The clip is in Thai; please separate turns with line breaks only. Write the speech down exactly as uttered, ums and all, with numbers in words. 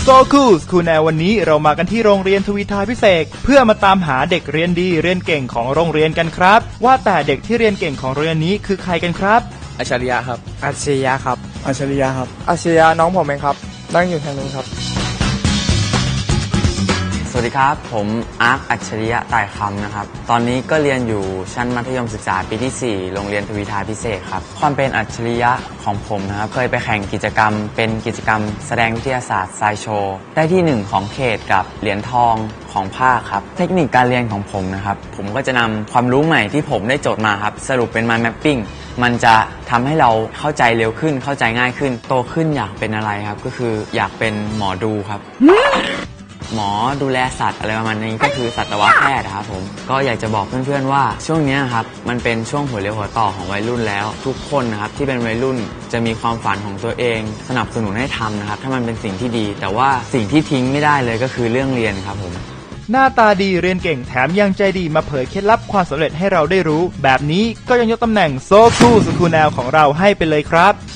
โซคูลคูแนววันนี้เรามากันที่โรงเรียนทวีทาพิเศษเพื่อมาตามหาเด็กเรียนดีเรียนเก่งของโรงเรียนกันครับว่าแต่เด็กที่เรียนเก่งของโรงเรียนนี้คือใครกันครับ
อัจฉริยะครับ
อัจฉริยะครับ
อัจฉริยะครับ
อัจฉริยะน้องผมเองครับนั่งอยู่ทางนู้นครับ
สวัสดีครับผมอาร์คอัจฉริยะต่ายคำนะครับตอนนี้ก็เรียนอยู่ชั้นมัธยมศึกษาปีที่สี่โรงเรียนทวีทาพิเศษครับความเป็นอัจฉริยะของผมนะครับเคยไปแข่งกิจกรรมเป็นกิจกรรมแสดงวิทยาศาสตร์ไซโชว์ได้ที่หนึ่งของเขตกับเหรียญทองของภาคครับเทคนิคการเรียนของผมนะครับผมก็จะนำความรู้ใหม่ที่ผมได้โจทย์มาครับสรุปเป็น mind mapping มันจะทำให้เราเข้าใจเร็วขึ้นเข้าใจง่ายขึ้นโตขึ้นอยากเป็นอะไรครับก็คืออยากเป็นหมอดูครับหมอดูแลสัตว์อะไรประมาณนี้ก็คือสัตวแพทย์ครับผมก็อยากจะบอกเพื่อนๆว่าช่วงนี้ครับมันเป็นช่วงหัวเรียวหัวต่อของวัยรุ่นแล้วทุกคนนะครับที่เป็นวัยรุ่นจะมีความฝันของตัวเองสนับสนุนให้ทำนะครับถ้ามันเป็นสิ่งที่ดีแต่ว่าสิ่งที่ทิ้งไม่ได้เลยก็คือเรื่องเรียนครับผม
หน้าตาดีเรียนเก่งแถมยังใจดีมาเผยเคล็ดลับความสำเร็จให้เราได้รู้แบบนี้ก็ยังยกตำแหน่งโซคูลสคูลแนวของเราให้ไปเลยครับ